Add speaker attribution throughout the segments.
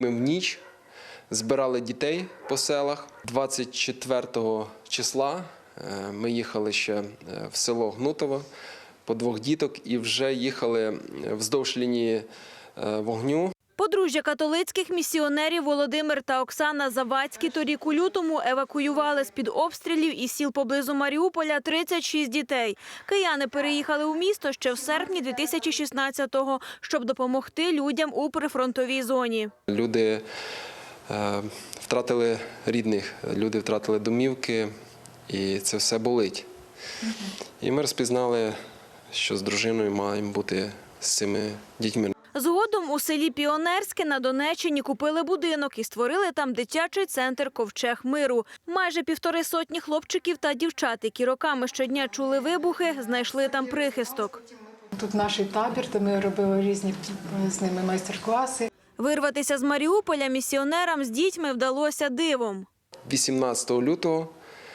Speaker 1: Ми в ніч збирали дітей по селах. 24 числа ми їхали ще в село Гнутово по 2 діток і вже їхали вздовж лінії вогню.
Speaker 2: Подружжя католицьких місіонерів Володимир та Оксана Завадські торік у лютому евакуювали з-під обстрілів із сіл поблизу Маріуполя 36 дітей. Кияни переїхали у місто ще в серпні 2016-го, щоб допомогти людям у прифронтовій зоні.
Speaker 1: Люди втратили рідних, люди втратили домівки, і це все болить. І ми розпізнали, що з дружиною маємо бути з цими дітьми.
Speaker 2: Згодом у селі Піонерське на Донеччині купили будинок і створили там дитячий центр «Ковчег миру». Майже 1,5 сотні хлопчиків та дівчат, які роками щодня чули вибухи, знайшли там прихисток.
Speaker 3: Тут наш табір, де ми робили різні з ними майстер-класи.
Speaker 2: Вирватися з Маріуполя місіонерам з дітьми вдалося дивом.
Speaker 1: 18 лютого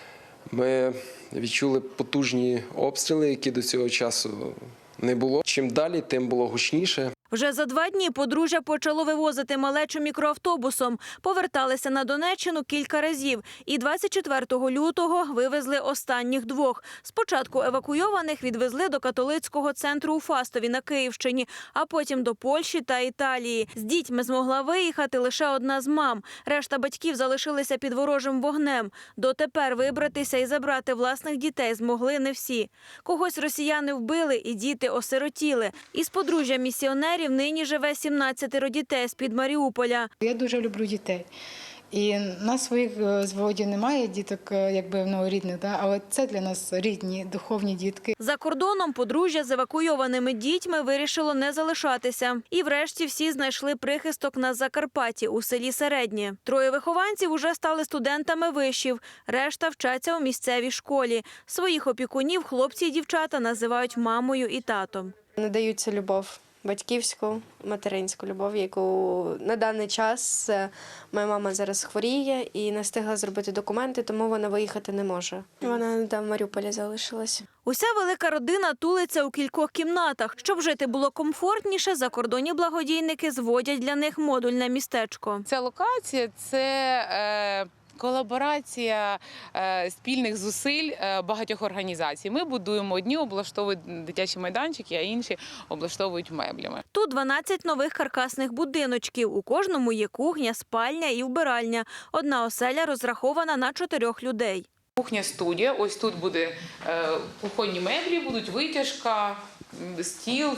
Speaker 1: ми відчули потужні обстріли, які до цього часу не було. Чим далі, тим було гучніше.
Speaker 2: Вже за 2 дні подружжя почало вивозити малечу мікроавтобусом. Поверталися на Донеччину кілька разів. І 24 лютого вивезли останніх 2. Спочатку евакуйованих відвезли до католицького центру у Фастові на Київщині, а потім до Польщі та Італії. З дітьми змогла виїхати лише одна з мам. Решта батьків залишилися під ворожим вогнем. Дотепер вибратися і забрати власних дітей змогли не всі. Когось росіяни вбили і діти осиротіли. Із подружжя місіонерів нині живе 17 дітей з-під Маріуполя.
Speaker 3: Я дуже люблю дітей. І нас своїх з Володі немає діток, якби рідних, але це для нас рідні, духовні дітки.
Speaker 2: За кордоном подружжя з евакуйованими дітьми вирішило не залишатися. І врешті всі знайшли прихисток на Закарпатті у селі Середнє. 3 вихованців уже стали студентами вишів, решта вчаться у місцевій школі. Своїх опікунів хлопці і дівчата називають мамою і татом.
Speaker 4: Надаються любов. Батьківську, материнську любов, яку на даний час моя мама зараз хворіє і не встигла зробити документи, тому вона виїхати не може. Вона в Маріуполі залишилась.
Speaker 2: Уся велика родина тулиться у кількох кімнатах. Щоб жити було комфортніше, закордонні благодійники зводять для них модульне містечко.
Speaker 5: Ця локація – це колаборація спільних зусиль багатьох організацій. Ми будуємо, одні облаштовують дитячі майданчики, а інші облаштовують меблями.
Speaker 2: Тут 12 нових каркасних будиночків. У кожному є кухня, спальня і вбиральня. Одна оселя розрахована на 4 людей.
Speaker 5: Кухня-студія. Ось тут буде кухонні меблі, будуть витяжка, стіл,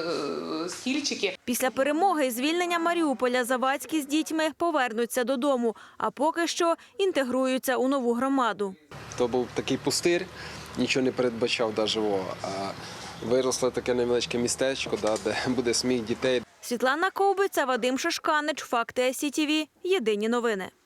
Speaker 5: стільчики.
Speaker 2: Після перемоги і звільнення Маріуполя Завадські з дітьми повернуться додому, а поки що інтегруються у нову громаду.
Speaker 1: То був такий пустир, нічого не передбачав навіть, а виросло таке невеличке містечко, де буде сміх дітей.
Speaker 2: Світлана Ковбиця, Вадим Шишканич, Факти СІТВ. Єдині новини.